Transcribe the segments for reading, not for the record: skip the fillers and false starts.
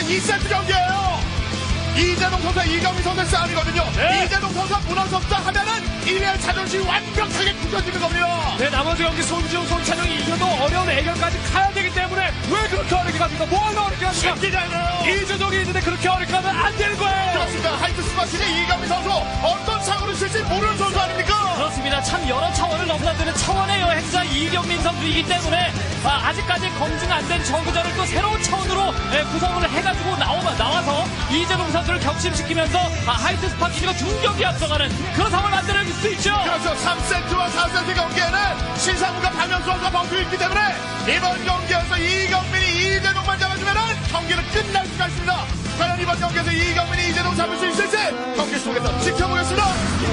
2세트 경기예요. 이재동 선수와 이경민 선수의 싸움이거든요. 네. 이재동 선수가 무너졌다 하면은 1위의 자존심이 완벽하게 굳어지는 겁니다. 네, 나머지 경기 손지웅, 손찬영이 이겨도 어려운 애결까지 가야 되기 때문에 왜 그렇게 어렵게 갑니까? 뭐가 어렵게 갑니까? 쉽지잖아요. 이재동이 있는데 그렇게 어렵게 하면 안 되는 거예요. 그렇습니다. 하이트 스마시의 이경민 선수 어떤 사고를 칠지 모르는 선수 아닙니까? 그렇습니다. 참 여러 차원을 넘나드는 차원의 여행자 이경민 선수이기 때문에 아직까지 검증 안 된 저그전을 또 새로운 차원으로 구성을 해가지고 나와서 이재동 선수를 격심시키면서 하이트 스파키가 중경기 앞서가는 그런 상황을 만들어낼 수 있죠. 그렇죠. 3세트와 4세트 경기에는 신상무가 박명수 선수가 벙투 있기 때문에 이번 경기에서 이경민이 이재동만 잡아주면 경기는 끝날 수가 있습니다. 과연 이번 경기에서 이경민이 이재동 잡을 수 있을지 경기 속에서 지켜보겠습니다.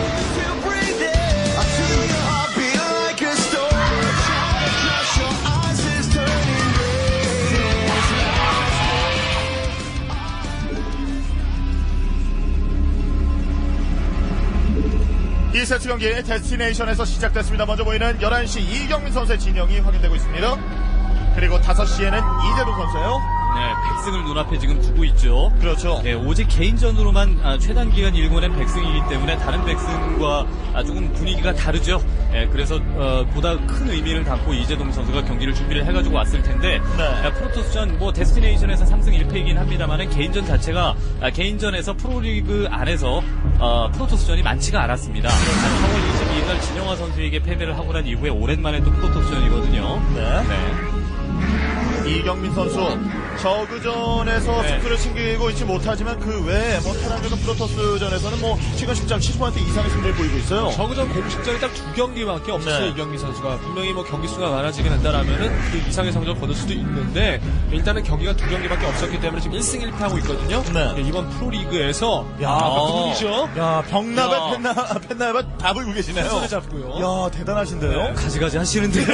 이 세트 경기 데스티네이션에서 시작됐습니다. 먼저 보이는 11시 이경민 선수의 진영이 확인되고 있습니다. 그리고 5시에는 이재동 선수예요. 네, 백승을 눈앞에 지금 두고 있죠. 그렇죠. 네, 오직 개인전으로만 최단 기간 일궈낸 백승이기 때문에 다른 백승과 조금 분위기가 다르죠. 네, 그래서 보다 큰 의미를 담고 이재동 선수가 경기를 준비를 해가지고 왔을 텐데 네. 프로토스전 뭐 데스티네이션에서 3승 1패이긴 합니다만은 개인전 자체가 개인전에서 프로리그 안에서 프로토스전이 많지가 않았습니다. 4월 22일 날 진영화 선수에게 패배를 하고 난 이후에 오랜만에 또 프로토스전이거든요. 네. 네. 이경민 선수 저그전에서 승수를 챙기고 있지 못하지만 그 외에 뭐 테란전과 프로토스전에서는 뭐 최근 10장 70% 이상의 승리를 보이고 있어요. 저그전 공식전이 딱 2경기밖에 없었어요. 네. 이경민 선수가 분명히 뭐 경기 수가 많아지게 된다라면은 그 이상의 성적을 거둘 수도 있는데 일단은 경기가 2경기밖에 없었기 때문에 지금 1승 1패하고 있거든요. 네. 이번 프로리그에서 야, 누구죠? 야, 병나발 야. 펜나발 다 불고 계시네요. 손을 잡고요. 야, 대단하신데요. 가지가지 하시는데요.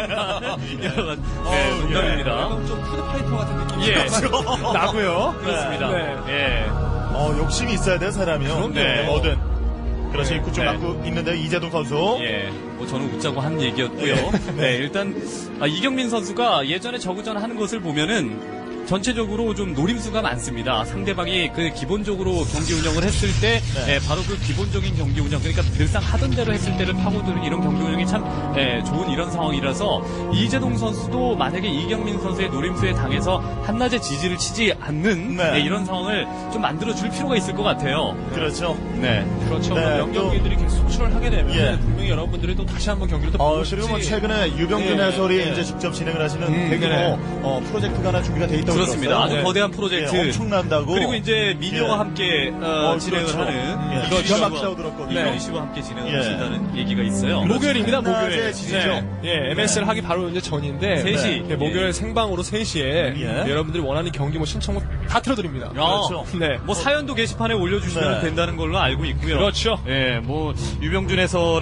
네, 농담입니다. 약간 좀 푸드파이터 같은 느낌이 예. 나고요. 그렇습니다. 네. 예. 욕심이 있어야 돼요, 사람이요. 그럼요. 네, 뭐든. 그렇지, 네. 입구 좀 네. 막고 있는데요, 이재동 선수. 예. 뭐 저는 웃자고 한 얘기였고요. 네, 일단 이경민 선수가 예전에 저그전 하는 것을 보면은 전체적으로 좀 노림수가 많습니다. 상대방이 그 기본적으로 경기 운영을 했을 때 네. 바로 그 기본적인 경기 운영, 그러니까 늘상 하던 대로 했을 때를 파고드는 이런 경기 운영이 참 좋은 이런 상황이라서 이재동 선수도 만약에 이경민 선수의 노림수에 당해서 한낮에 지지를 치지 않는 네. 이런 상황을 좀 만들어줄 필요가 있을 것 같아요. 그렇죠. 네. 그렇죠. 네, 명경기들이 계속 속출을 하게 되면 예. 분명히 여러분들이 또 다시 한번 경기를 또 보고 그리고 뭐 싶지. 최근에 유병준 예, 해설이 예. 이제 직접 진행을 하시는 대규모 네네. 프로젝트가 하나 준비가 돼 있다고 그렇습니다. 들었어요. 아주 네. 거대한 프로젝트. 예, 엄청난다고. 그리고 이제 민요와 예. 함께 진행을 그렇죠. 하는 예, 이건 기가 막히다고 들었거든요. 이건 씨와 함께 진행을 예. 하신다는 얘기가 있어요. 목요일입니다, 낮에 목요일. 지지죠. 예, MSL 하기 바로 이제 전인데. 3시. 네, 목요일 생방으로 3시에 예. 여러분들이 원하는 경기 뭐 신청곡 다 틀어드립니다. 그렇죠. 네. 뭐 사연도 게시판에 올려주시면 네. 된다는 걸로 알고 있고요. 그렇죠. 예, 뭐 유병준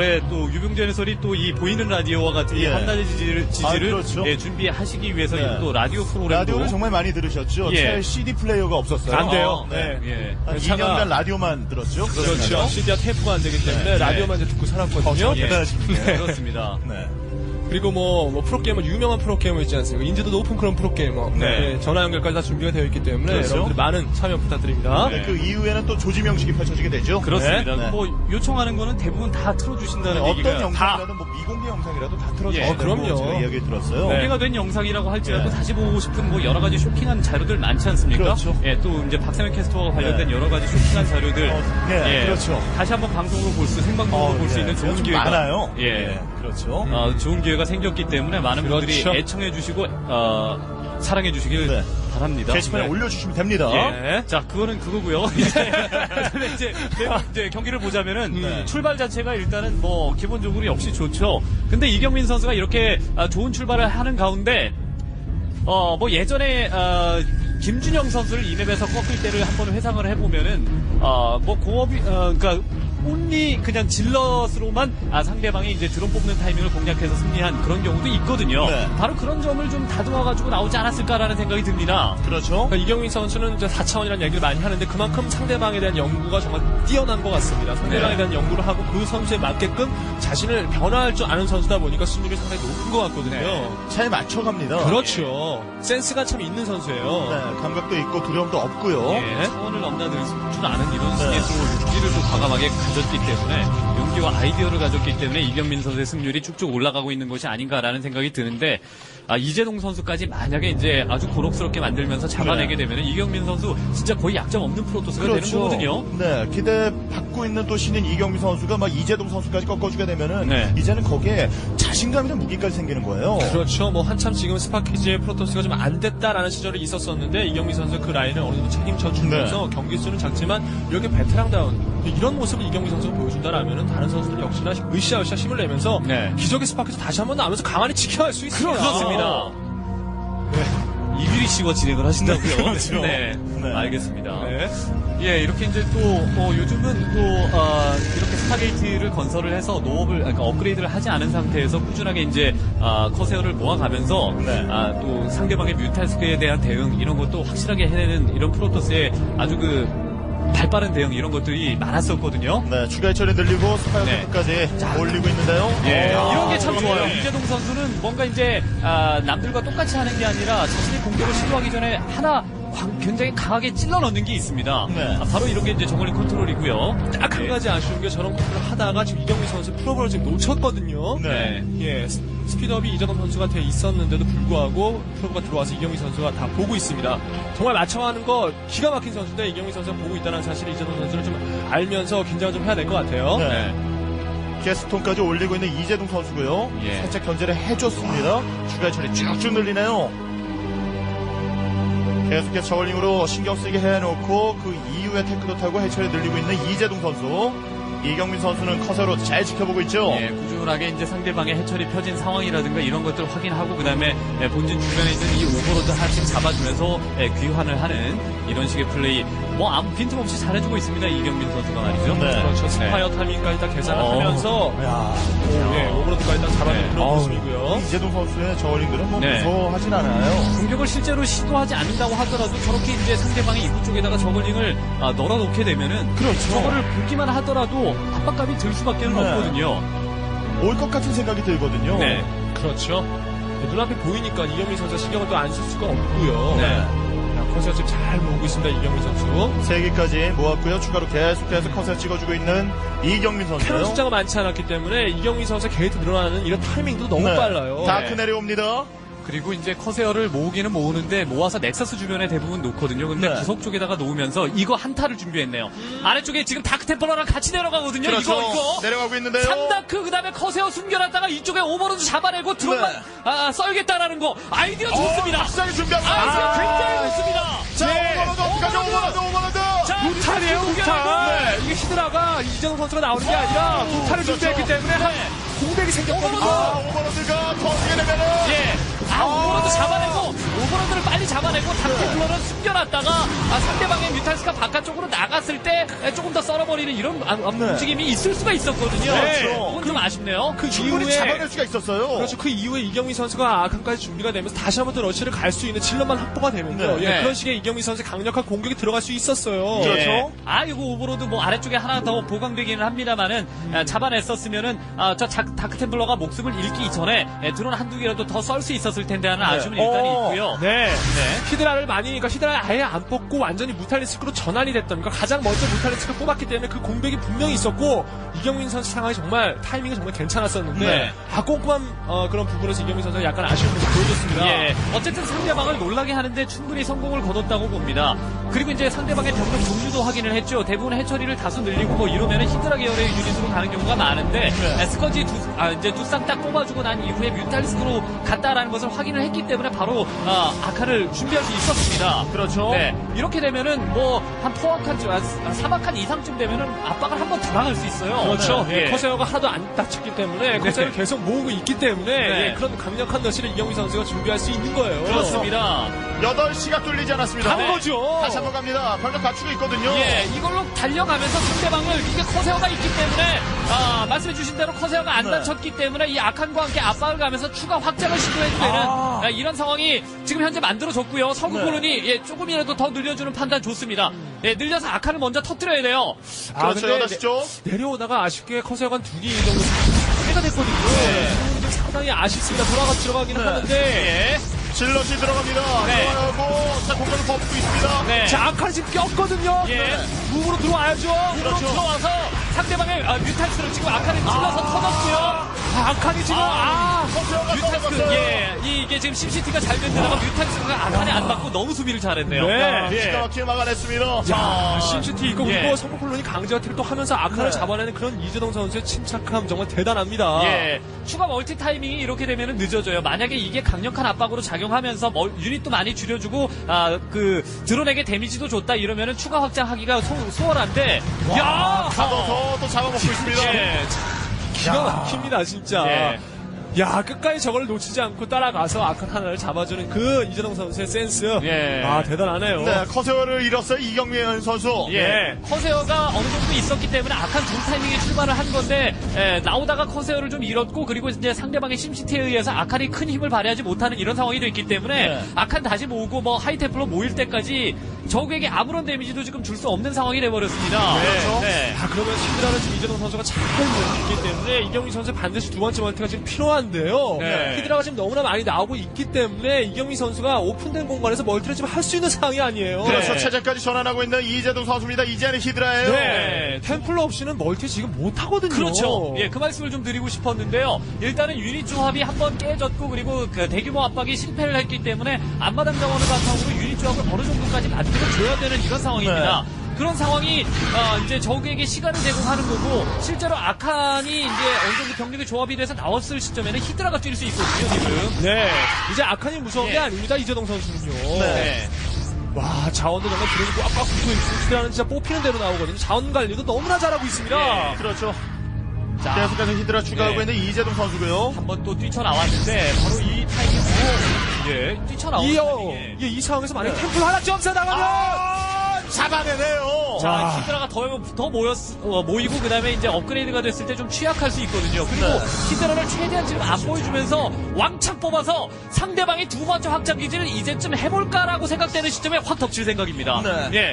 해설이 또 이 보이는 라디오와 같은 이 예. 한낮의 지지를 그렇죠. 준비하시기 위해서 네. 또 라디오 프로그램도 라디오를 정말 많이 들으셨죠? 예. 제 CD 플레이어가 없었어요. 안 돼요. 네. 예. 한 차가- 2년간 라디오만 들었죠? 그렇죠. CD와 테이프가 안 되기 때문에 네. 라디오만 이제 듣고 살았거든요. 예. 대단하십니다. 그렇습니다. 네. 그리고 뭐 프로게이머, 유명한 프로게이머 있지 않습니까? 인지도 높은 그런 프로게이머. 네. 예, 전화 연결까지 다 준비가 되어 있기 때문에 그렇죠. 여러분들 많은 참여 부탁드립니다. 네, 그 이후에는 또 조지명식이 펼쳐지게 되죠? 그렇습니다. 네. 뭐 요청하는 거는 대부분 다 틀어주신다는 어떤 얘기가 영상이라도 뭐 미공개 영상이라도 다 틀어주시는 예. 그럼요. 제가 이야기 들었어요. 네. 공개가 된 영상이라고 할지라도 네. 다시 보고 싶은 뭐 여러 가지 쇼킹한 자료들 많지 않습니까? 그렇죠. 예, 또 이제 박세현 캐스터와 관련된 네. 여러 가지 쇼킹한 자료들. 네, 그렇죠. 다시 한번 방송으로 생방송으로 볼 수 있는 좋은 좀 기회가 많아요. 예. 네, 그렇죠. 좋은 기회가 생겼기 때문에 많은 분들이 그렇죠. 애청해 주시고 사랑해 주시길 네. 바랍니다. 게시판에 네. 올려주시면 됩니다. 예. 자, 그거는 그거고요. 이제 경기를 보자면은 출발 자체가 일단은 뭐 기본적으로 역시 좋죠. 근데 이경민 선수가 이렇게 좋은 출발을 하는 가운데 뭐 예전에 김준영 선수를 이 맵에서 꺾을 때를 한번 회상을 해보면은 뭐 공업이 그러니까 온리 그냥 질럿으로만 상대방이 이제 드론 뽑는 타이밍을 공략해서 승리한 그런 경우도 있거든요. 네. 바로 그런 점을 좀 다듬어가지고 나오지 않았을까라는 생각이 듭니다. 그렇죠. 그러니까 이경민 선수는 이제 4차원이라는 얘기를 많이 하는데 그만큼 상대방에 대한 연구가 정말 뛰어난 것 같습니다. 상대방에 네. 대한 연구를 하고 그 선수에 맞게끔 자신을 변화할 줄 아는 선수다 보니까 승률이 상당히 높은 것 같거든요. 네. 잘 맞춰갑니다. 그렇죠. 센스가 참 있는 선수예요. 네, 감각도 있고 두려움도 없고요. 예. 차원을 넘나들 줄 아는 이런 승리에 또 용기를 또 과감하게 가졌기 때문에 용기와 아이디어를 가졌기 때문에 이경민 선수의 승률이 쭉쭉 올라가고 있는 것이 아닌가라는 생각이 드는데 이재동 선수까지 만약에 이제 아주 고록스럽게 만들면서 잡아내게 되면 이경민 선수 진짜 거의 약점 없는 프로토스가 되는 거거든요. 네, 기대 받고 있는 또 신인 이경민 선수가 막 이재동 선수까지 꺾어주게 되면은 네. 이제는 거기에 자신감이나 무기까지 생기는 거예요. 그렇죠. 뭐 한참 지금 스파키즈의 프로토스가 좀 안 됐다라는 시절이 있었었는데 이경민 선수 그 라인을 어느 정도 책임져 주면서 네. 경기 수는 작지만 이렇게 베테랑다운 이런 모습을 이경민 선수가 보여준다라면은 다른 선수들 역시나 으쌰으쌰 힘을 내면서 네. 기적의 스파키즈 다시 한번 나오면서 강한히 지켜갈 수 있습니다. 그렇습니다. 이규리 씨가 진행을 하신다고요? 그렇죠. 네. 네. 알겠습니다. 네. 예, 이렇게 이제 또, 요즘은 또, 이렇게 스타게이트를 건설을 해서 노업을, 그러니까 업그레이드를 하지 않은 상태에서 꾸준하게 이제, 커세어를 모아가면서, 네. 또 상대방의 뮤탈스크에 대한 대응, 이런 것도 확실하게 해내는 이런 프로토스의 아주 발빠른 대응, 이런 것들이 많았었거든요. 네, 추가 해처리 늘리고 네. 스파이어까지 올리고 있는데요. 예, 아, 이런 게 참 좋아요. 그러네요. 이재동 선수는 뭔가 이제 남들과 똑같이 하는 게 아니라 자신의 공격을 시도하기 전에 하나 굉장히 강하게 찔러 넣는 게 있습니다. 네. 바로 이런 게 이제 정글링 컨트롤이고요. 딱 한 가지 아쉬운 게 저런 컨트롤을 하다가 지금 이경민 선수 프로볼을 지금 놓쳤거든요. 네. 예, 스피드업이 이재동 선수가 돼 있었는데도 불구하고 프로가 들어와서 이경민 선수가 다 보고 있습니다. 정말 맞춰가는 거 기가 막힌 선수인데 이경민 선수가 보고 있다는 사실을 이재동 선수는 좀 알면서 긴장을 좀 해야 될 것 같아요. 네. 게스톤까지 올리고 있는 이재동 선수고요. 예. 살짝 견제를 해줬습니다. 추가 해처리 쭉쭉 늘리네요. 계속해서 저울링으로 신경 쓰게 해놓고 그 이후에 테크도 타고 해처리 늘리고 있는 이재동 선수. 이경민 선수는 커서로 잘 지켜보고 있죠. 예, 꾸준하게 이제 상대방의 해철이 펴진 상황이라든가 이런 것들을 확인하고 그다음에 본진 주변에 있는 이 오버로드 하나씩 잡아주면서 귀환을 하는 이런 식의 플레이 뭐 아무 빈틈없이 잘해주고 있습니다. 이경민 선수가 말이죠. 네. 그렇죠. 스파이어 타이밍까지 다 계산을 어. 하면서 야, 예, 오버로드까지 다 잡아낸 네. 그런 어우, 모습이고요. 이재동 선수의 저울링들은 뭐 네. 무서워하진 않아요. 공격을 실제로 시도하지 않는다고 하더라도 저렇게 이제 상대방의 입구 쪽에다가 저글링을 널어놓게 되면은 그렇죠. 저거를 보기만 하더라도 압박감이 들 수밖에 는 네. 없거든요. 올 것 같은 생각이 들거든요. 네. 그렇죠. 네, 눈앞에 보이니까 이경민 선수가 신경을 또 안 쓸 수가 없고요. 네. 컨셉 지금 잘 모으고 있습니다. 이경민 선수. 3개까지 모았고요. 추가로 계속해서 컷을 찍어주고 있는 이경민 캐논 선수요. 숫자가 많지 않았기 때문에 이경민 선수의 게이트 늘어나는 이런 타이밍도 너무 네. 빨라요. 다크 네. 내려옵니다. 그리고 이제 커세어를 모으기는 모으는데 모아서 넥서스 주변에 대부분 놓거든요. 근데 네. 구석 쪽에다가 놓으면서 이거 한타를 준비했네요. 아래쪽에 지금 다크템플러랑 같이 내려가거든요. 그렇죠. 이거. 내려가고 있는데요. 3다크 그다음에 커세어 숨겨놨다가 이쪽에 오버로드 잡아내고 드론만 썰겠다라는 거 아이디어 좋습니다. 박사기 준비하고 아이디어 굉장히 좋습니다. 자, 네. 오버로드 어떡하죠? 오버로드. 자, 무탈이에요, 무탈. 이게 히드라가 이재동 선수가 나오는 게 아니라 무탈을 그렇죠. 준비했기 때문에 한 공백이 생겼거든요. 오버로드가 터지게 되면은. 예. 오버로드 잡아내고 오버로드를 빨리 잡아내고 닥터플러를 숨겨놨다가 상대방의 뮤탈스가 바깥쪽으로 나갔을 때 조금 더 썰어버리는 이런 움직임이 있을 수가 있었거든요. 네. 그건 좀 아쉽네요. 그 충분히 이후에 잡아낼 수가 있었어요. 그렇죠. 그 이후에 이경민 선수가 아칸까지 준비가 되면서 다시 한번 더 러시를 갈 수 있는 질럿만 확보가 되면요. 네. 예, 네. 그런 식의 이경민 선수의 강력한 공격이 들어갈 수 있었어요. 그렇죠. 예. 이거 오버로드 뭐 아래쪽에 하나 더 보강되기는 합니다만은 잡아냈었으면은 저 다크템플러가 목숨을 잃기 전에 드론 한두 개라도 더 썰 수 있었을 텐데 하는 아쉬움은 일단 있고요. 네. 히드라를 그러니까 히드라를 아예 안 뽑고 완전히 무탈리스크로 전환이 됐던, 그러니까 가장 먼저 무탈리스크를 뽑았기 때문에 그 공백이 분명히 있었고, 이경민 선수 상황이 정말 타이밍이 정말 괜찮았었는데, 네. 꼼꼼한 그런 부분에서 이경민 선수가 약간 아쉬운 모습 보여줬습니다. 예, 어쨌든 상대방을 놀라게 하는데 충분히 성공을 거뒀다고 봅니다. 그리고 이제 상대방의 병력 종류도 확인을 했죠. 대부분 해처리를 다수 늘리고 뭐 이러면은 히드라 계열의 유닛으로 가는 경우가 많은데 스커지 이제 두 쌍 딱 뽑아주고 난 이후에 뮤탈리스크로 갔다라는 것을 확인을 했기 때문에 바로 아카를 준비할 수 있었습니다. 그렇죠. 네, 이렇게 이렇게 되면은 뭐 한 포악한 3악한 이상쯤 되면은 압박을 한번 들어갈 수 있어요. 그렇죠. 네. 예, 커세어가 하나도 안 다쳤기 때문에 커세어를 계속 모으고 있기 때문에 네. 예, 그런 강력한 러시를 이경민 선수가 준비할 수 있는 거예요. 그렇습니다. 8시가 뚫리지 않았습니다. 간 거죠. 다시 한번 갑니다. 병력 갖추고 있거든요. 예, 이걸로 달려가면서 상대방을 이게 커세어가 있기 때문에 말씀해주신 대로 커세어가 안 네. 다쳤기 때문에 이 아칸과 함께 압박을 가면서 추가 확장을 시도해도 되는 이런 상황이 지금 현재 만들어졌고요. 서구 네. 콜론이 예, 조금이라도 더 늘려주는 판단 좋습니다. 예, 늘려서 아칸을 먼저 터뜨려야 돼요. 그렇죠. 근데 8시 쪽. 내려오다가 아쉽게 커세어가 한 2개 정도 해가 됐거든요. 좀 상당히 아쉽습니다. 들어가기는 하는데. 예. 질럿이 들어갑니다. 네. 들어가고 자 공간을 버프고 있습니다. 네. 자, 아칸이 지금 꼈거든요. 예. 무으로 들어와야죠. 그렇죠. 들어와서 상대방의 뮤탈스를 지금 아칸을 찔러서 터졌고요. 아칸이 지금 커세어가 뮤탈스, 떨어졌어요. 예, 이게 지금 심시티가 잘 된 데다가 뮤탈스가 아칸에 안 맞고 너무 수비를 잘했네요. 네. 예. 기가 막히게 막아냈습니다. 야, 심시티 있고 예. 그리고 성공콜론이 강제 어택을 또 하면서 아칸을 네. 잡아내는 그런 이재동 선수의 침착함 정말 대단합니다. 예, 추가 멀티 타이밍이 이렇게 되면 늦어져요. 만약에 이게 강력한 압박으로 작용하면서 유닛도 많이 줄여주고 드론에게 데미지도 줬다 이러면은 추가 확장하기가 수월한데, 야, 가둬서 또 잡아먹고 있습니다. 예, 기가 막힙니다 진짜. 예. 야, 끝까지 저걸 놓치지 않고 따라가서 아칸 하나를 잡아주는 그 이재동 선수의 센스. 예. 대단하네요. 네, 커세어를 잃었어요. 이경민 선수. 예, 커세어가 어느 정도 있었기 때문에 아칸 두 타이밍에 출발을 한 건데 나오다가 커세어를 좀 잃었고 그리고 이제 상대방의 심시티에 의해서 아칸이 큰 힘을 발휘하지 못하는 이런 상황이 됐기 때문에 네. 아칸 다시 모으고 뭐 하이테플로 모일 때까지 적에게 아무런 데미지도 지금 줄 수 없는 상황이 돼버렸습니다. 그렇죠. 네. 그러면 히드라를 지금 이재동 선수가 잘 모으기 때문에 이경민 선수 반드시 두 번째 멀티가 지금 필요한데요. 네. 히드라가 지금 너무나 많이 나오고 있기 때문에 이경민 선수가 오픈된 공간에서 멀티를 지금 할 수 있는 상황이 아니에요. 그렇죠. 네. 체제까지 전환하고 있는 이재동 선수입니다. 이제는 히드라예요. 네. 템플러 없이는 멀티 지금 못 하거든요. 그렇죠. 예, 그 말씀을 좀 드리고 싶었는데요. 일단은 유닛 조합이 한번 깨졌고 그리고 그 대규모 압박이 실패를 했기 때문에 앞마당 자원을 바탕으로 유닛 조합을 어느 정도까지 만들어줘야 되는 이런 상황입니다. 그런 상황이 이제 적에게 시간을 제공하는 거고 실제로 아칸이 이제 어느 정도 병력의 조합이 돼서 나왔을 시점에는 히드라가 뛸 수 있거든요 지금. 네. 이제 아칸이 무서운 예. 게 아닙니다. 이재동 선수는요. 네. 와, 자원도 정말 들어오고 꽉꽉 붙어 있고 히드라는 진짜 뽑히는 대로 나오거든요. 자원 관리도 너무나 잘하고 있습니다. 예. 그렇죠. 자, 계속해서 히드라 추가하고 네. 있는 이재동 선수고요. 한번 또 뛰쳐나왔는데 바로 이 타이밍으로 예, 뛰쳐나오는 타이밍에 이 상황에서 만약에 템플 하나 점사 나가면 잡아내네요. 자, 와. 히드라가 더 모이고 그다음에 이제 업그레이드가 됐을 때 좀 취약할 수 있거든요. 그리고 네. 히드라를 최대한 지금 안 보여주면서 왕창 뽑아서 상대방의 두 번째 확장 기지를 이제쯤 해볼까라고 생각되는 시점에 확 덮칠 생각입니다. 네.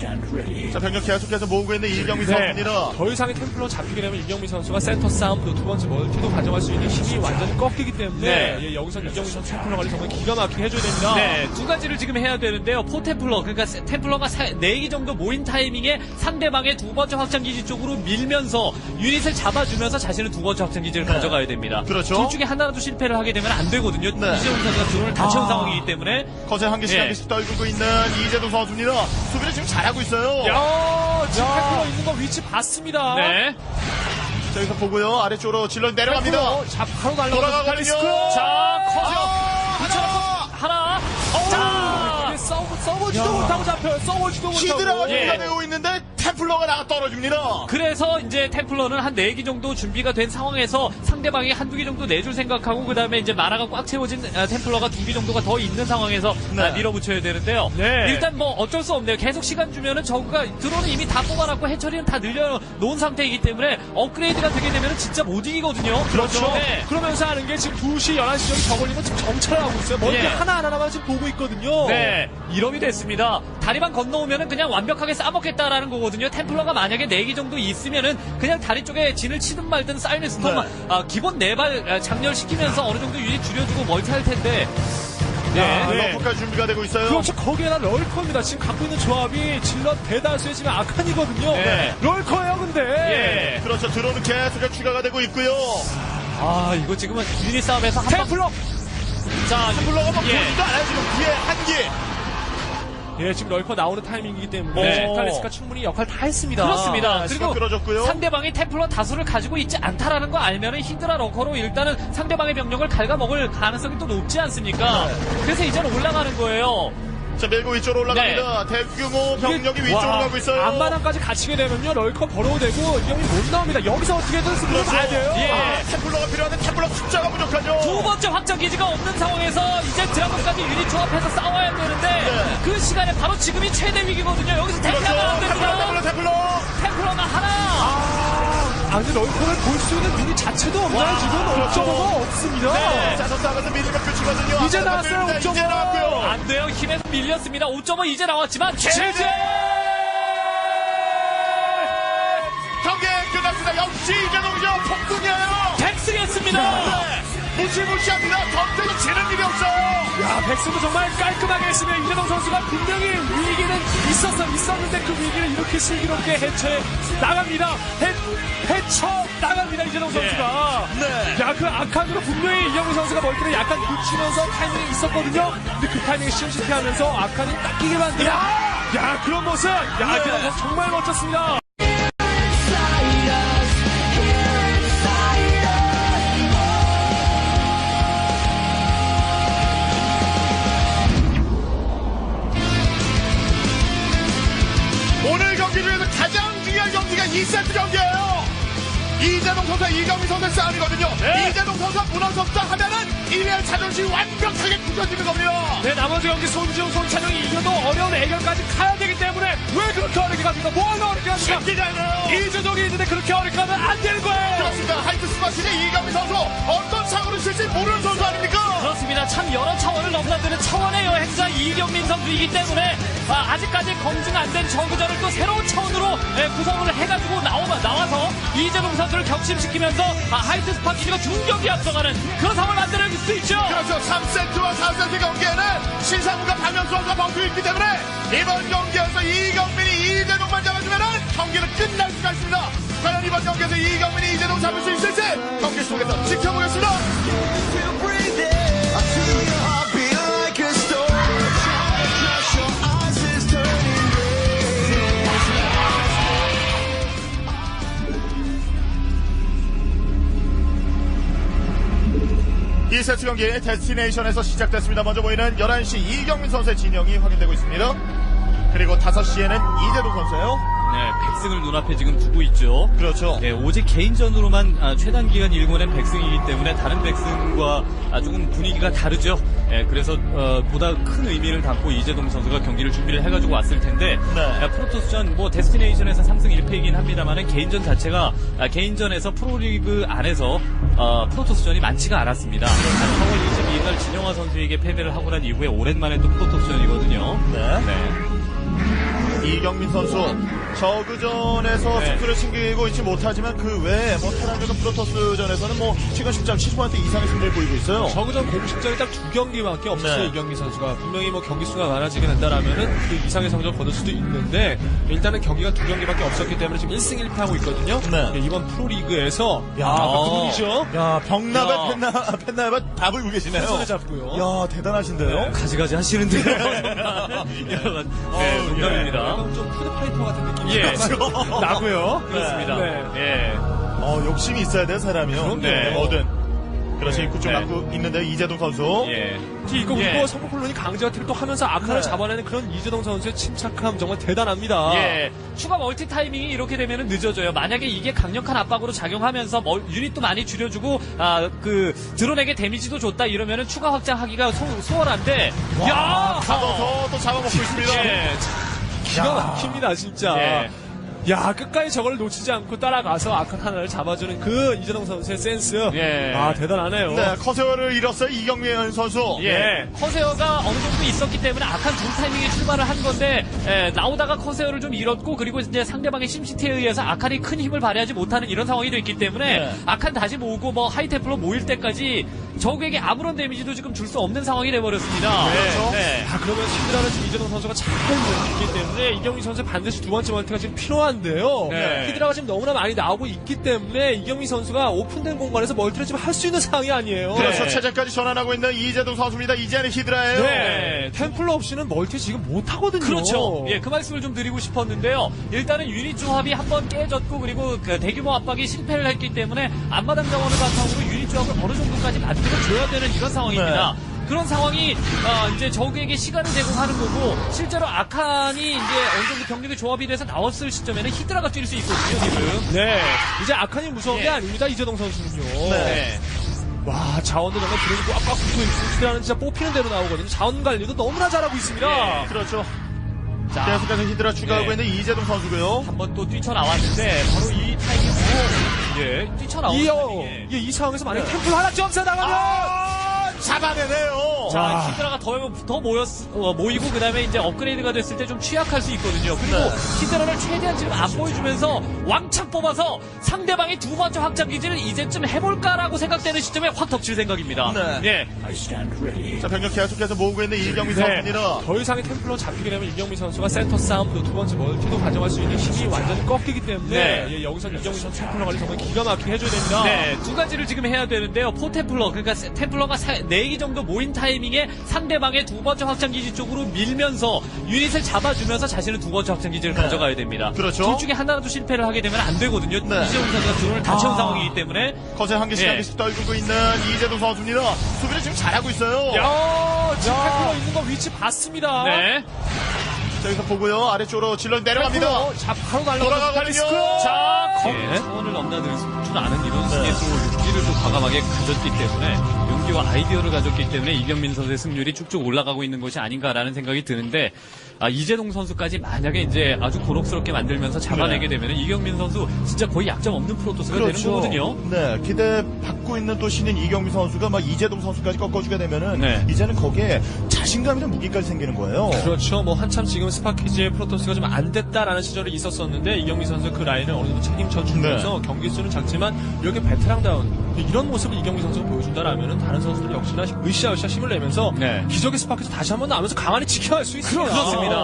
예. 자, 병력 계속해서 모으고 있는 이경민 네. 선수입니다. 더 이상의 템플러 잡히게 되면 이경민 선수가 센터 싸움도 두 번째 멀티도 가져갈 수 있는 힘이 완전히 꺾이기 때문에 네. 예, 여기서 이경민 선수 템플러 관리 정말 기가 막히게 해줘야 됩니다. 네, 두 가지를 지금 해야 되는데요. 포템플러, 그러니까 템플러가 4기 정도 모인 타이밍에 상대방의 두 번째 확장기지 쪽으로 밀면서 유닛을 잡아주면서 자신은 두 번째 확장기지를 가져가야 됩니다. 그렇죠. 둘 중에 하나라도 실패를 하게 되면 안 되거든요. 네. 이재용 선수가 드론을 다 채운 상황이기 때문에. 거세 한 개씩 예. 한 개씩 떨구고 있는 이재동 선수입니다. 수비를 지금 잘하고 있어요. 야, 지금 템플러 있는 거 위치 봤습니다. 네. 자, 여기서 보고요. 아래쪽으로 질러 내려갑니다. 템플러, 자, 바로 날라가서 돌아가거든요. 자, 커져. 하나! 하나. 자, 써보지도 못하고 잡혀요. 써보지도 못하고. 히드라가 예. 준비가 되고 있는데 템플러가 나가 떨어집니다. 그래서 이제 템플러는 한 4기 정도 준비가 된 상황에서 상대방이 한두 개 정도 내줄 생각하고 그 다음에 이제 마나가 꽉 채워진 템플러가 2기 정도가 더 있는 상황에서 네. 밀어붙여야 되는데요. 네. 일단 뭐 어쩔 수 없네요. 계속 시간 주면은 저그가 드론을 이미 다 뽑아놨고 해처리는 다 늘려놓은 상태이기 때문에 업그레이드가 되게 되면은 진짜 못 이기거든요. 그렇죠. 네. 그러면서 하는 게 지금 2시, 11시 정도 저걸리면 지금 정찰을 하고 있어요. 멀티 예. 하나하나만 지금 보고 있거든요. 네, 이름이 됐습니다. 다리만 건너오면은 그냥 완벽하게 싸먹겠다라는 거거든요. 템플러가 만약에 4기 정도 있으면은 그냥 다리 쪽에 진을 치든 말든 사이렌스톰 네. 기본 4발 장렬시키면서 어느 정도 유닛 줄여주고 멀티할 텐데. 네. 네. 러프까지 준비가 되고 있어요. 그렇죠. 거기에다 럴커입니다. 지금 갖고 있는 조합이 질럿 대다수의 지금 아칸이거든요. 네. 럴커예요, 근데. 예. 그렇죠. 드론은 계속 추가가 되고 있고요. 아, 이거 지금은 유닛 싸움에서 한 방. 템플러! 자, 템플러가 막 예. 보지도 않아요. 지금 뒤에 한 개. 예, 지금 럴커 나오는 타이밍이기 때문에 오. 뮤탈리스가 충분히 역할 다 했습니다. 그렇습니다. 시간 그리고 끌어줬고요. 상대방이 템플러 다수를 가지고 있지 않다라는 거 알면은 히드라 러커로 일단은 상대방의 병력을 갉아먹을 가능성이 또 높지 않습니까? 네. 그래서 이제는 올라가는 거예요. 자, 밀고 위쪽으로 올라갑니다. 대규모 병력이 위쪽으로 가고 있어요. 앞마당까지 갇히게 되면요, 럴커 벌어도 되고 이경민 못 나옵니다. 여기서 어떻게든 승부를 봐야 돼요. 예. 아, 템플러가 필요한데 템플러 숫자가 부족하죠. 두 번째 확장 기지가 없는 상황에서 이제 드라곤까지 유닛 조합해서 싸워야 되는데 네. 그 시간에 바로 지금이 최대 위기거든요. 여기서 템플러가 안 됩니다. 템플러가 하나. 아니 럴커를 볼 수 있는 유닛 자체도 없나요? 지금 옵저버가 없습니다. 네. 자, 전투하면서 미니가 끝이거든요. 이제 앞마당 나왔어요, 밀립니다. 옵저버. 이제 나왔고요. 안 돼요. 힘에서 밀렸습니다. 5.5 이제 나왔지만 제재! 경기 끝났습니다. 역시 이재동이죠. 폭풍이에요. 백승했습니다. 무시무시합니다. 전투에서 지는 일이 없어요. 야, 백승도 정말 깔끔하게 했으면 이재동 선수가 분명히 위기는 있었는데 그 위기를 이렇게 슬기롭게 나갑니다. 헤쳐 나갑니다, 이재동 선수가. 네. 야, 그 악한으로 분명히 이경민 선수가 멀티를 약간 늦추면서 타이밍이 있었거든요. 근데 그 타이밍에 심시티하면서 악한이 닦이게 만드는. 야, 그런 모습. 야, 이재동 선수 정말 멋졌습니다. 오늘 경기 중에서 가장 중요한 경기가 2세트 경기예요. 이재동 선수와 이경민 선수의 싸움이거든요. 네. 이재동 선수가 무너졌다 하면은 1위의 자존심이 완벽하게 굳어지는 겁니다. 네, 나머지 경기 손지웅, 손찬영이 이겨도 어려운 애결까지 가야 되기 때문에 왜 그렇게 어렵게 갑니까? 뭐가 어렵게 갑니까? 새끼잖아요. 이재동이 있는데 그렇게 어렵게 하면 안 되는 거예요. 그렇습니다. 하이트 스마시의 이경민 선수 어떤 사고를 칠지 모르는 선수 아닙니까? 그렇습니다. 참 여러 차원을 넘나드는 차원의 여행자 이경민 선수이기 때문에 아직까지 검증 안 된 저그전을 또 새로운 차원으로 구성을 해가지고 나와서 이재동 선수를 격심시키면서 하이트 스파키가 중격이 앞서가는 그런 상황을 만들어낼 수 있죠. 그렇죠. 3세트와 4세트 경기에는 신상무가 박명수 선수가 버티고 있기 때문에 이번 경기에서 이경민이 이재동만 잡아주면은 경기는 끝날 수가 있습니다. 과연 이번 경기에서 이경민이 이재동 잡을 수 있을지 경기 속에서 지켜보겠습니다. 이 세트 경기 데스티네이션에서 시작됐습니다. 먼저 보이는 11시 이경민 선수의 진영이 확인되고 있습니다. 그리고 5시에는 이재동 선수예요. 네, 백승을 눈앞에 지금 두고 있죠. 그렇죠. 네, 오직 개인전으로만 최단 기간 일궈낸 백승이기 때문에 다른 백승과 조금 분위기가 다르죠. 네, 그래서 보다 큰 의미를 담고 이재동 선수가 경기를 준비를 해가지고 왔을 텐데 네. 프로토스전 뭐 데스티네이션에서 3승 1패이긴 합니다만은 개인전 자체가 개인전에서 프로리그 안에서 프로토스전이 많지가 않았습니다. 4월 22일 날 진영화 선수에게 패배를 하고 난 이후에 오랜만에 또 프로토스전이거든요. 네. 이경민 선수 저그전에서 네. 승부를 챙기고 있지 못하지만 그 외에 뭐 테란전과 프로토스전에서는 뭐 최근 10점 70% 이상의 승리를 보이고 있어요. 저그전 공식전이 딱 2경기밖에 없었어요. 네. 이경민 선수가 분명히 뭐 경기 수가 많아지게 된다라면은 그 이상의 성적을 거둘 수도 있는데 일단은 경기가 2경기밖에 없었기 때문에 지금 1승 1패 하고 있거든요. 네. 이번 프로리그에서 야, 그분이죠. 야, 병나발 야. 펜나발 밥을 울고 계시네요. 손에 잡고요. 야, 대단하신데요. 가지가지 하시는데요. 네, 농담입니다. 약간 좀 푸드파이터 같은 느낌이 예. 나고요. 그렇습니다. 네. 예. 욕심이 있어야 돼, 사람이요. 그럼요. 네, 뭐든. 그렇지, 네. 입구 쪽 네. 갖고 있는데 이재동 선수. 예. 이거 예. 그리고 성공콜론이 강제어택을 또 하면서 아카를 네. 잡아내는 그런 이재동 선수의 침착함 정말 대단합니다. 예, 추가 멀티 타이밍이 이렇게 되면 늦어져요. 만약에 이게 강력한 압박으로 작용하면서 유닛도 많이 줄여주고 드론에게 데미지도 줬다 이러면은 추가 확장하기가 수월한데 야, 잡아서 또 잡아먹고 있습니다. 예. 기가 막힙니다 진짜. 예. 야 끝까지 저걸 놓치지 않고 따라가서 아칸 하나를 잡아주는 그 이재동 선수의 센스. 예. 아 대단하네요. 네, 커세어를 잃었어요, 이경민 선수. 예, 커세어가 어느 정도 있었기 때문에 악한 준 타이밍에 출발을 한 건데 나오다가 커세어를 좀 잃었고 그리고 이제 상대방의 심시티에 의해서 아칸이 큰 힘을 발휘하지 못하는 이런 상황이 됐기 때문에 네. 아칸 다시 모으고 뭐 하이테플로 모일 때까지 적에게 아무런 데미지도 지금 줄 수 없는 상황이 돼버렸습니다. 그렇죠. 네. 그러면 히드라는 지금 이재동 선수가 잘 모으기 때문에 이경민 선수 반드시 두 번째 멀티가 지금 필요한데요. 네. 히드라가 지금 너무나 많이 나오고 있기 때문에 이경민 선수가 오픈된 공간에서 멀티를 지금 할 수 있는 상황이 아니에요. 그래서 네. 체제까지 전환하고 있는 이재동 선수입니다. 이제는 히드라예요. 네. 템플러 없이는 멀티 지금 못 하거든요. 그렇죠. 예, 그 말씀을 좀 드리고 싶었는데요. 일단은 유닛 조합이 한번 깨졌고 그리고 그 대규모 압박이 실패를 했기 때문에 앞마당 자원을 바탕으로 유닛 조합을 어느 정도까지 만들어줘야 되는 이런 상황입니다. 그런 상황이 이제 적에게 시간을 제공하는 거고 실제로 아칸이 이제 어느 정도 병력의 조합이 돼서 나왔을 시점에는 히드라가 뛸 수 있거든요 지금. 네. 이제 아칸이 무서운 게 아닙니다. 이재동 선수는요. 네. 와, 자원도 정말 드론이 꽉꽉 붙고 있고, 히드라는 진짜 뽑히는 대로 나오거든요. 자원 관리도 너무나 잘하고 있습니다. 그렇죠. 자, 계속해서 히드라 추가하고 네. 있는 이재동 선수고요. 한번 또 뛰쳐나왔는데 바로 이 타이밍으로 뛰쳐나오는 타이밍에 이 상황에서 만약에 템플 하나 점사 나가면 잡아내네요. 자, 와. 히드라가 더 모이고, 그 다음에 이제 업그레이드가 됐을 때 좀 취약할 수 있거든요. 그리고 네. 히드라를 최대한 지금 안 보여주면서 왕창 뽑아서 상대방의 두 번째 확장 기지를 이제쯤 해볼까라고 생각되는 시점에 확 덮칠 생각입니다. 네. 예. 자, 병력 계속해서 모으고 있는 이경민 네. 선수입니다. 더 이상의 템플로 잡히게 되면 이경민 선수가 센터 싸움도 두 번째 멀티도 가져갈 수 있는 힘이 완전히 꺾이기 때문에 네. 예, 여기서 이경민 선수 템플러 관리 정말 기가 막히게 해줘야 됩니다. 네, 두 가지를 지금 해야 되는데요. 포템플러, 그러니까 템플러가 4기 정도 모인 타이밍에 상대방의 두 번째 확장기지 쪽으로 밀면서 유닛을 잡아주면서 자신은 두 번째 확장기지를 가져가야 됩니다. 그렇죠. 둘 중에 하나라도 실패를 하게 되면 안 되거든요. 네. 이재용 선수가 드론을 다 채운 상황이기 때문에. 거세 한 개씩 예. 한 개씩 떨구고 있는 이재동 선수입니다. 수비를 지금 잘하고 있어요. 야, 지금 템플러 있는 거 위치 봤습니다. 네. 자, 여기서 보고요. 아래쪽으로 질러 내려갑니다. 템플러, 자, 바로 돌아가거든요. 자, 예. 차원을 넘나들 줄 아는 이런 승리에 또 용기를 또 과감하게 가졌기 때문에 용기와 아이디어를 가졌기 때문에 이경민 선수의 승률이 쭉쭉 올라가고 있는 것이 아닌가라는 생각이 드는데 이재동 선수까지 만약에 이제 아주 고록스럽게 만들면서 잡아내게 되면 이경민 선수 진짜 거의 약점 없는 프로토스가 되는 거거든요. 네, 기대 받고 있는 또 신인 이경민 선수가 막 이재동 선수까지 꺾어주게 되면은 네. 이제는 거기에 자신감이나 무기까지 생기는 거예요. 그렇죠. 뭐 한참 지금 스파키즈의 프로토스가 좀 안 됐다라는 시절이 있었었는데 이경민 선수 그 라인을 어느 정도 책임져 주면서 네. 경기 수는 작지만 이렇게 베테랑다운 이런 모습을 이경민 선수가 보여준다라면은 다른 선수들 역시나 으쌰으쌰 힘을 내면서 네. 기적의 스파키즈 다시 한번 나오면서 강한히 지켜야 할 수 있습니다. 그렇습니다.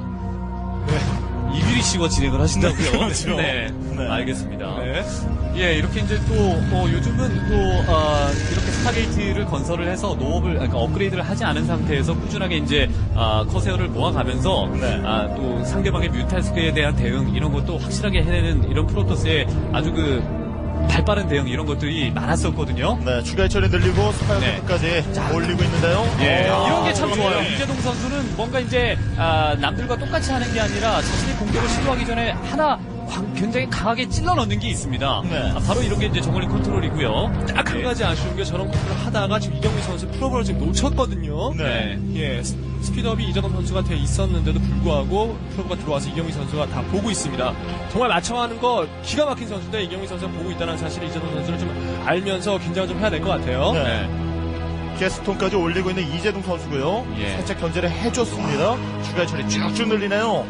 이규리 씨가 진행을 하신다고요? 그렇죠. 네. 네. 알겠습니다. 네. 예, 이렇게 이제 또, 요즘은 또, 이렇게 스타게이트를 건설을 해서 그러니까 업그레이드를 하지 않은 상태에서 꾸준하게 이제, 커세어를 모아가면서, 네. 또 상대방의 뮤탈스크에 대한 대응, 이런 것도 확실하게 해내는 이런 프로토스의 아주 발빠른 대응, 이런 것들이 많았었거든요. 네, 추가 해처리 늘리고 네. 스파이어까지 올리고 있는데요. 예, 이런 게 참 그러네요. 좋아요. 이재동 선수는 뭔가 이제 남들과 똑같이 하는 게 아니라 자신의 공격을 시도하기 전에 하나 굉장히 강하게 찔러 넣는 게 있습니다. 네. 바로 이런 게 이제 정글링 컨트롤이고요. 딱 한 가지 아쉬운 게 저런 컨트롤을 하다가 지금 이경민 선수 프로볼을 지금 놓쳤거든요. 네. 예, 스피드업이 이재동 선수가 돼 있었는데도 불구하고 프로가 들어와서 이경민 선수가 다 보고 있습니다. 정말 맞춰가는 거 기가 막힌 선수인데 이경민 선수가 보고 있다는 사실을 이재동 선수는 좀 알면서 긴장을 좀 해야 될 것 같아요. 네. 게스톤까지 올리고 있는 이재동 선수고요. 예. 살짝 견제를 해줬습니다. 추가 해처리 쭉쭉 늘리네요.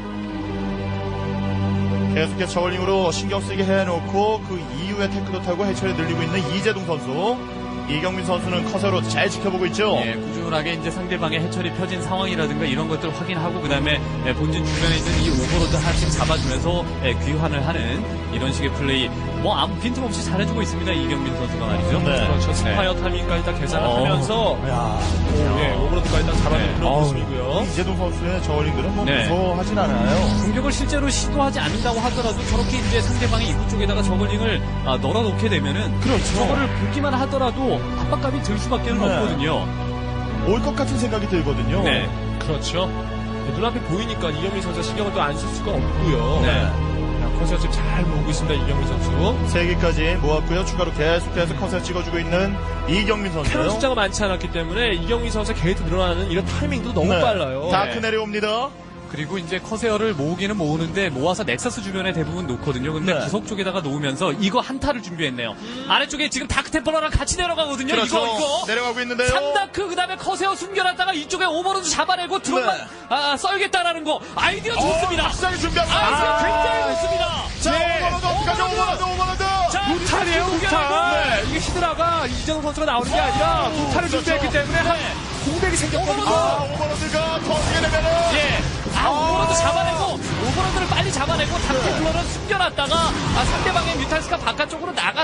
계속해서 저울링으로 신경 쓰게 해놓고 그 이후에 테크도 타고 해처리 늘리고 있는 이재동 선수. 이경민 선수는 커서로 잘 지켜보고 있죠. 예, 꾸준하게 이제 상대방의 해철이 펴진 상황이라든가 이런 것들을 확인하고 그다음에 본진 주변에 있는 이 오버로드 하나씩 잡아주면서 귀환을 하는 이런 식의 플레이 뭐 아무 빈틈없이 잘해주고 있습니다 이경민 선수가 말이죠. 네. 그렇죠. 스파이어 타이밍까지 다 계산을 어. 하면서 야, 예, 오버로드까지 다 잡아낸 네. 그런 어우, 모습이고요. 이재동 선수의 저울링들은 뭐 네. 무서워하진 않아요. 공격을 실제로 시도하지 않는다고 하더라도 저렇게 이제 상대방의 입구 쪽에다가 저글링을 널어놓게 되면은 그렇죠. 저거를 보기만 하더라도 압박감이 들 수밖에 는 네. 없거든요. 올 것 같은 생각이 들거든요. 네. 그렇죠. 예, 눈앞에 보이니까 이경민 선수가 신경을 또 안 쓸 수가 없고요. 네. 컨셉 지금 잘 모으고 있습니다. 이경민 선수. 3개까지 모았고요. 추가로 계속해서 컨셉 찍어주고 있는 이경민 캐논 선수요. 숫자가 많지 않았기 때문에 이경민 선수의 게이트 늘어나는 이런 타이밍도 너무 네. 빨라요. 다크 네. 내려옵니다. 그리고 이제 커세어를 모으기는 모으는데 모아서 넥서스 주변에 대부분 놓거든요. 근데 네. 구석 쪽에다가 놓으면서 이거 한타를 준비했네요. 아래쪽에 지금 다크템플러랑 같이 내려가거든요. 그렇죠. 이거. 내려가고 있는데요. 3다크 그다음에 커세어 숨겨놨다가 이쪽에 오버로드 잡아내고 드론만 네. 썰겠다라는 거 아이디어 좋습니다. 박사기 준비하고 아이디어 굉장히 좋습니다. 자, 네. 오버로드 어떡하죠? 오버로드. 자, 무탈이에요, 무탈. 이게 히드라가 이재동 선수가 나오는 게 아니라 무탈을 그렇죠. 준비했기 때문에 한 공백이 생겼거든요. 오버로드가 터지게 되면은. 예. 오버로드 잡아내고 오버로드를 빨리 잡아내고 다크템플러는 숨겨놨다가 상대방의 뮤탈스가 바깥쪽으로 나갔을 때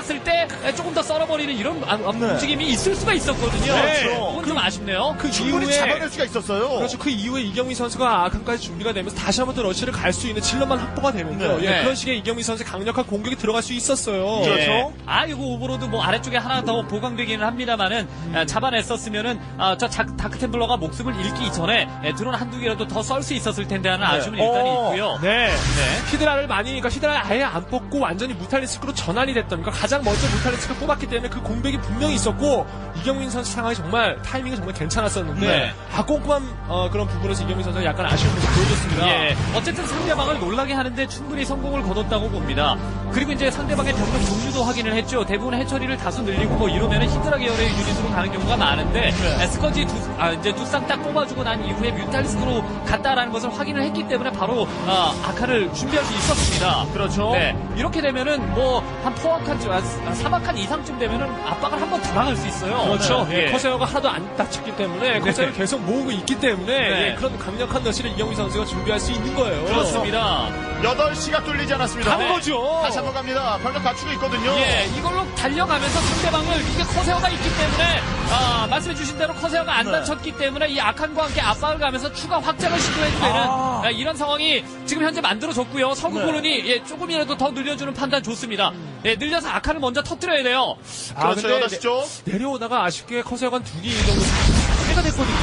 조금 더 썰어버리는 이런 움직임이 있을 수가 있었거든요. 네. 그건 좀 아쉽네요. 그 충분히 이후에 잡아낼 수가 있었어요. 그렇죠. 그 이후에 이경민 선수가 아칸까지 준비가 되면서 다시 한번 또 러시를 갈 수 있는 질럿만 확보가 되면요. 네. 예, 네. 그런 식의 이경민 선수의 강력한 공격이 들어갈 수 있었어요. 그렇죠. 예. 이거 오버로드 뭐 아래쪽에 하나 더 보강되기는 합니다만은 잡아냈었으면은 저 다크템플러가 목숨을 잃기 전에 드론 한두 개라도 더 썰 수 있었을 텐데 하는 아쉬움은 일단 있고요. 네. 히드라를 그러니까 히드라를 아예 안 뽑고 완전히 무탈리스크로 전환이 됐던, 그러니까 가장 먼저 무탈리스크를 뽑았기 때문에 그 공백이 분명히 있었고, 이경민 선수 상황이 정말 타이밍이 정말 괜찮았었는데, 네. 꼼꼼한 그런 부분에서 이경민 선수가 약간 아쉬운 모습 보여줬습니다. 예, 어쨌든 상대방을 놀라게 하는데 충분히 성공을 거뒀다고 봅니다. 그리고 이제 상대방의 병력 종류도 확인을 했죠. 대부분 해처리를 다수 늘리고 뭐 이러면은 히드라 계열의 유닛으로 가는 경우가 많은데 스커지 이제 두 쌍 딱 뽑아주고 난 이후에 뮤탈리스크로 갔다라는 것을 확인을 했기 때문에 바로 아카를 준비할 수 있었습니다. 그렇죠. 네, 이렇게 되면은 뭐 한 포악한 3악한 이상쯤 되면은 압박을 한번 들어갈 수 있어요. 그렇죠. 네. 예, 커세어가 하나도 안 다쳤기 때문에 커세어를 계속 모으고 있기 때문에 네. 예, 그런 강력한 러시를 이경민 선수가 준비할 수 있는 거예요. 그렇습니다. 8시가 뚫리지 않았습니다. 간 거죠. 다시 한번 갑니다. 병력 갖추고 있거든요. 예, 이걸로 달려가면서 상대방을 이게 커세어가 있기 때문에 말씀해주신 대로 커세어가 안 네. 다쳤기 때문에 이 아칸과 함께 압박을 가면서 추가 확장을 시도해도 되는 이런 상황이 지금 현재 만들어졌고요. 서구 네. 콜론이 조금이라도 더 늘려주는 판단 좋습니다. 예, 늘려서 아칸을 먼저 터뜨려야 돼요. 그렇죠. 근데 8시 쪽. 내려오다가 아쉽게 커세어가 한 2개 정도 해가 됐거든요.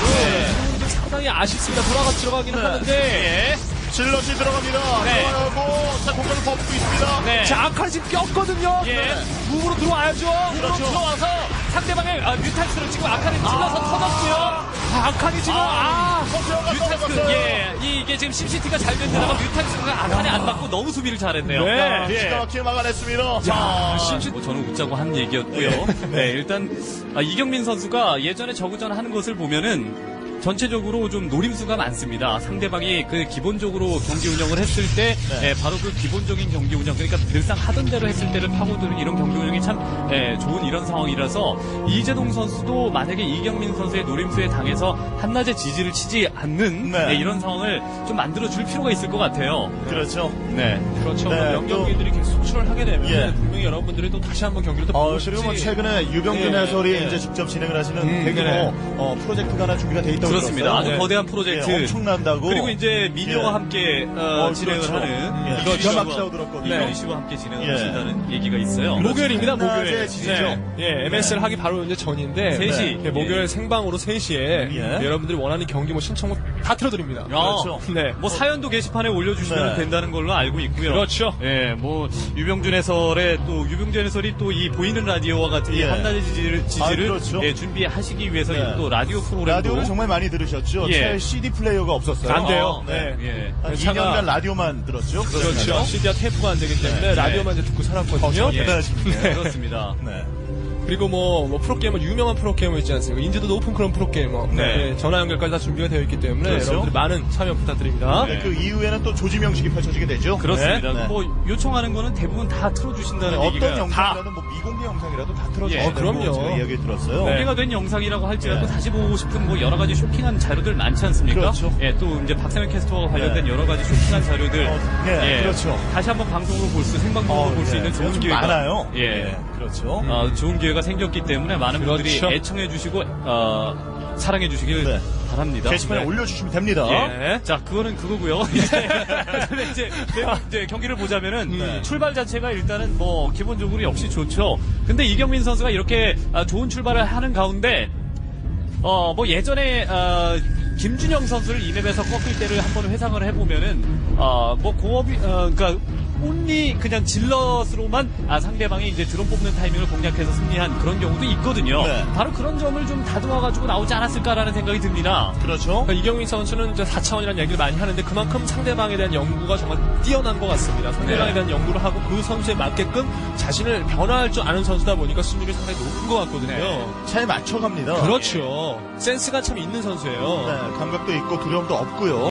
상당히 아쉽습니다. 들어가기는 하는데. 질럿이 들어갑니다. 네. 들어가고 자 공간을 버프고 있습니다. 네. 자, 아칸이 지금 꼈거든요. 예. 무브로 들어와야죠. 그렇죠. 들어와서 상대방의 뮤탈스를 지금 아칸을 찔러서 터졌고요. 아칸이 지금 커세어가 뮤탈스, 떨어졌어요. 예, 이게 지금 심시티가 잘 된 데다가 뮤탈스가 아칸에 안 맞고 너무 수비를 잘했네요. 네. 기가 막히게 막아냈습니다. 뭐 저는 웃자고 한 얘기였고요. 네, 일단 이경민 선수가 예전에 저그전 하는 것을 보면은 전체적으로 좀 노림수가 많습니다. 상대방이 그 기본적으로 경기 운영을 했을 때 바로 그 기본적인 경기 운영, 그러니까 늘상 하던 대로 했을 때를 파고드는 이런 경기 운영이 참 좋은 이런 상황이라서 이재동 선수도 만약에 이경민 선수의 노림수에 당해서 한낮에 지지를 치지 않는 네. 이런 상황을 좀 만들어줄 필요가 있을 것 같아요. 그렇죠. 네. 그렇죠. 네, 명경기들이 계속 속출을 하게 되면 예. 분명히 여러분들이 또 다시 한번 경기를 또 보고 싶지. 그리고 뭐 최근에 유병준 예, 해설이 예. 이제 직접 진행을 하시는 대규모 네. 프로젝트가 하나 준비가 돼 있다고 그렇습니다. 아주 들었어요. 거대한 프로젝트. 예, 엄청난다고. 그리고 이제 미녀와 예. 함께 진행을 그렇죠. 하는 예, 기가 막히다고 들었거든요. 이병희 씨와 함께 진행을 예. 하신다는 얘기가 있어요. 목요일입니다, 목요일. 낮에 지지죠. 예, MSL 하기 바로 이제 전인데. 3시. 예, 목요일 생방으로 3시에 예. 여러분들이 원하는 경기 뭐 신청곡 다 틀어드립니다. 그렇죠. 네. 뭐 사연도 게시판에 올려주시면 네. 된다는 걸로 알고 있고요. 그렇죠. 예, 뭐 유병준 해설이 또 이 보이는 라디오와 같은 이 예. 한낮의 지지를 그렇죠. 준비하시기 위해서 네. 또 라디오 프로그램도 라디오를 정말 많이 들으셨죠. 예. 채 CD 플레이어가 없었어요. 안 돼요. 네. 예. 한 차가- 2년간 라디오만 들었죠. 그렇죠. CD와 테이프가 안 되기 때문에 라디오만 이제 듣고 살았거든요. 예. 대단하십니다. 그렇습니다. 네. 그리고 뭐 프로게이머, 유명한 프로게이머 있지 않습니까? 인지도 높은 그런 프로게이머. 네. 예, 전화 연결까지 다 준비가 되어 있기 때문에 그렇죠. 여러분들 많은 참여 부탁드립니다. 네, 그 이후에는 또 조지명식이 펼쳐지게 되죠. 그렇습니다. 네. 뭐 요청하는 거는 대부분 다 틀어주신다는 얘기가 어떤 영상이라도 뭐 미공개 영상이라도 다 틀어줘야 예. 된다고 그럼요. 제가 이야기 들었어요. 네. 공개가 된 영상이라고 할지라도 네. 다시 보고 싶은 뭐 여러 가지 쇼킹한 자료들 많지 않습니까? 그렇죠. 예, 또 이제 박세현 캐스터와 관련된 네. 여러 가지 쇼킹한 자료들, 예, 그렇죠. 다시 한번 방송으로 볼 수, 생방송으로 볼 수 있는 좋은 좀 기회가 많아요. 예, 그렇죠. 좋은 기회가 생겼기 때문에 많은 분들이 그렇죠. 애청해주시고 사랑해주시길 네. 바랍니다. 게시판에 네. 올려주시면 됩니다. 예. 자, 그거는 그거고요. 이제 경기를 보자면은 출발 자체가 일단은 뭐 기본적으로 역시 좋죠. 근데 이경민 선수가 이렇게 좋은 출발을 하는 가운데 뭐 예전에 김준영 선수를 이 맵에서 꺾을 때를 한번 회상을 해보면은 뭐 공업이 그러니까 온리 그냥 질럿으로만 상대방이 이제 드론 뽑는 타이밍을 공략해서 승리한 그런 경우도 있거든요. 네. 바로 그런 점을 좀 다듬어가지고 나오지 않았을까라는 생각이 듭니다. 그렇죠. 그러니까 이경민 선수는 이제 4차원이라는 얘기를 많이 하는데 그만큼 상대방에 대한 연구가 정말 뛰어난 것 같습니다. 상대방에 대한 연구를 하고 그 선수에 맞게끔 자신을 변화할 줄 아는 선수다 보니까 승률이 상당히 높은 것 같거든요. 잘 맞춰갑니다. 그렇죠. 센스가 참 있는 선수예요. 네, 감각도 있고 두려움도 없고요.